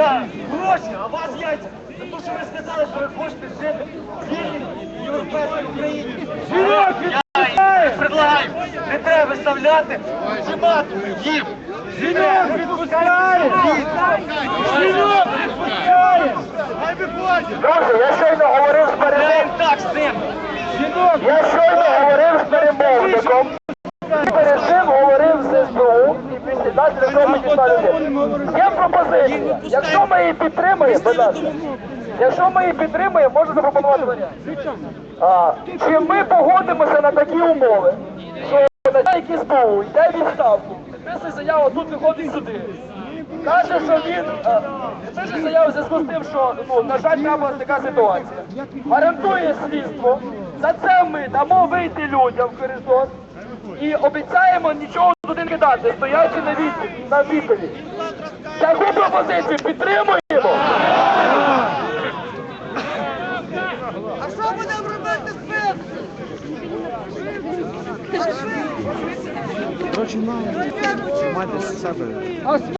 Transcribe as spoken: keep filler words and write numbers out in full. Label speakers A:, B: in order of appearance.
A: гроші, а вас яйця. За те, що ви сказали, що ви хочете жити в вільній європейській Україні.
B: Жінок
A: Я предлагаю, не треба виставляти ультиматум їм.
B: Жінок відпускає! Жінок відпускає!
A: Хай виходять.
C: Друзі, я щойно говорив з перемовником.
A: Так, з ним.
B: Жінок!
C: Я щойно говорив з перемовником. І перед цим говорив з СБУ і після нас для того підійшла людина. Є пропозиція. Якщо ми її підтримаємо, будь ласка, якщо ми її підтримаємо, можна запропонувати варіант. А, чи ми погодимося на такі умови, що начальник СБУ йде в відставку, підписує заяву, тут виходить сюди. Каже, що він е, пише заяву в зв'язку з тим, що, ну, на жаль, трапилася така ситуація. Гарантує слідство. За це ми дамо вийти людям в коридор і обіцяємо нічого туди не кидати, стоячи на відповідь. На відповідь. Таку пропозицію підтримуємо.
D: А що будемо робити з цим?
B: Короче, мама. Мати з себе.